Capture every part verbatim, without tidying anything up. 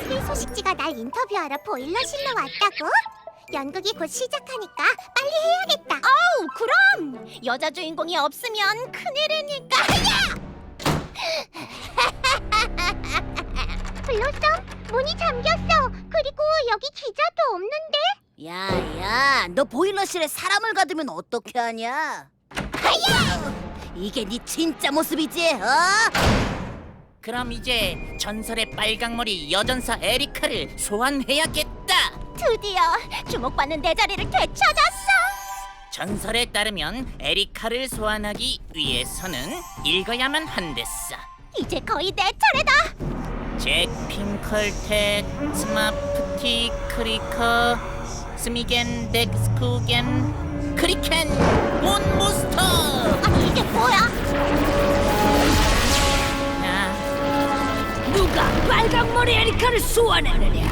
스릴 소식지가 날 인터뷰하러 보일러실로 왔다고? 연극이 곧 시작하니까 빨리 해야겠다. 어우, 그럼! 여자 주인공이 없으면 큰일이니까. 야! 블로썸, 문이 잠겼어. 그리고 여기 기자도 없는데? 야야, 너 보일러실에 사람을 가두면 어떻게 하냐? 하야! 이게 네 진짜 모습이지, 어? 그럼 이제 전설의 빨강머리 여전사 에리카를 소환해야겠다. 드디어 주목받는 내 자리를 되찾았어. 전설에 따르면 에리카를 소환하기 위해서는 읽어야만 한댔어. 이제 거의 내 차례다. 잭, 핑컬텍, 스마프티, 크리커, 스미겐, 덱스쿠겐, 크리켄, 몬모스터. 아니, 이게 뭐야? 아, 누가 빨강머리 에리카를 소환해내냐?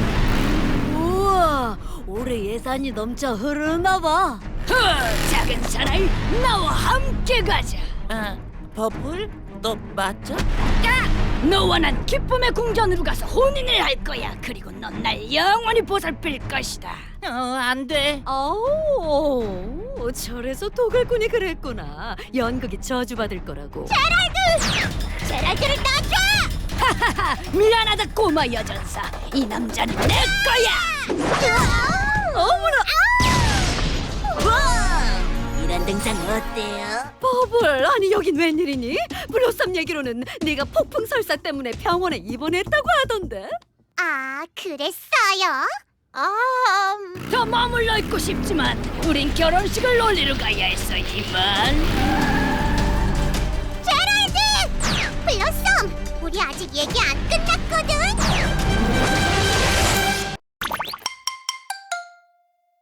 우와, 올해 예산이 넘쳐 흐르나 봐. 허, 작은 사나이, 나와 함께 가자. 아, 버블? 너 맞아? 너와 난 기쁨의 궁전으로 가서 혼인을 할 거야. 그리고 넌 날 영원히 보살필 것이다. 어, 안 돼. 오, 저래서 도굴꾼이 그랬구나. 연극이 저주받을 거라고. 제랄드를 놔줘! 하하하, 미안하다 꼬마 여전사. 이 남자는 내 거야. 어머나, 이런 등장 어때요? 버블. 아니 여긴 웬일이니? 블로썸 얘기로는 네가 폭풍 설사 때문에 병원에 입원했다고 하던데. 아, 그랬어요? 아, 음, 더 머물러 있고 싶지만 우린 결혼식을 올리러 가야 했어 이만. 제랄드! 블로썸! 우리 아직 얘기 안 끝났고!